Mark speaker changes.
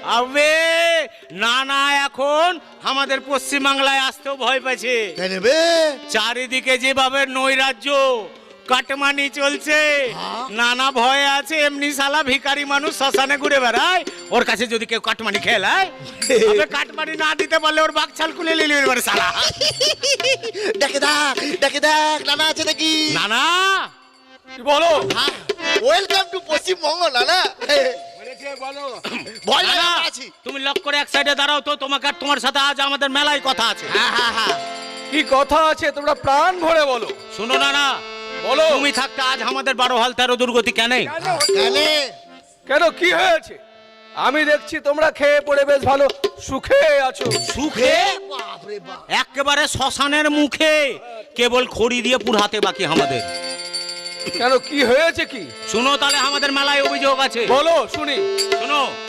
Speaker 1: আবে নানা এখন আমাদের পশ্চিমবাংলায় আসতেও ভয় পাচ্ছে।
Speaker 2: কেন বে?
Speaker 1: চারিদিকে যেভাবে নৈরাজ্য কাটমানি চলছে, নানা ভয়ে আছে। এমনি শালা ভিখারি মানুষ শ্মশানে ঘুরে বেড়ায়, ওর কাছে যদি কেউ কাটমানি খেলায়, তবে কাটমানি না দিতে পারলে ওর বাকছাল খুলে নিলি এবার শালা।
Speaker 2: ডেকে দেখ নানা আছে নাকি?
Speaker 1: নানা
Speaker 3: বলো
Speaker 2: ওয়েলকাম টু পশ্চিমবঙ্গ নানা। ভয় লাগে
Speaker 1: নানা,
Speaker 2: আমরা আছি।
Speaker 1: তুমি লক করে এক সাইডে দাঁড়াও তো, তোমাকে আর তোমার সাথে আজ আমাদের মেলায় কথা আছে।
Speaker 2: হ্যাঁ
Speaker 3: কি কথা আছে তোমরা প্রাণ ভরে বলো।
Speaker 1: শুনো নানা,
Speaker 3: বলো
Speaker 1: তুমি থাকতে আজ আমাদের 12 হাল 13 দুর্গতি কেন?
Speaker 2: কেন?
Speaker 3: কেন কি হয়েছে? আমি দেখছি তোমরা খেয়ে পড়ে বেশ ভালো সুখে আছো।
Speaker 1: সুখে?
Speaker 2: বাপরে বাপ।
Speaker 1: একেবারে শ্মশানের মুখে, কেবল খড়ি দিয়ে পুরাতে বাকি আমাদের।
Speaker 3: কেন কি হয়েছে কি?
Speaker 1: শুনো তাহলে আমাদের মেলায় অভিযোগ আছে।
Speaker 3: বলো শুনি।
Speaker 1: শুনো,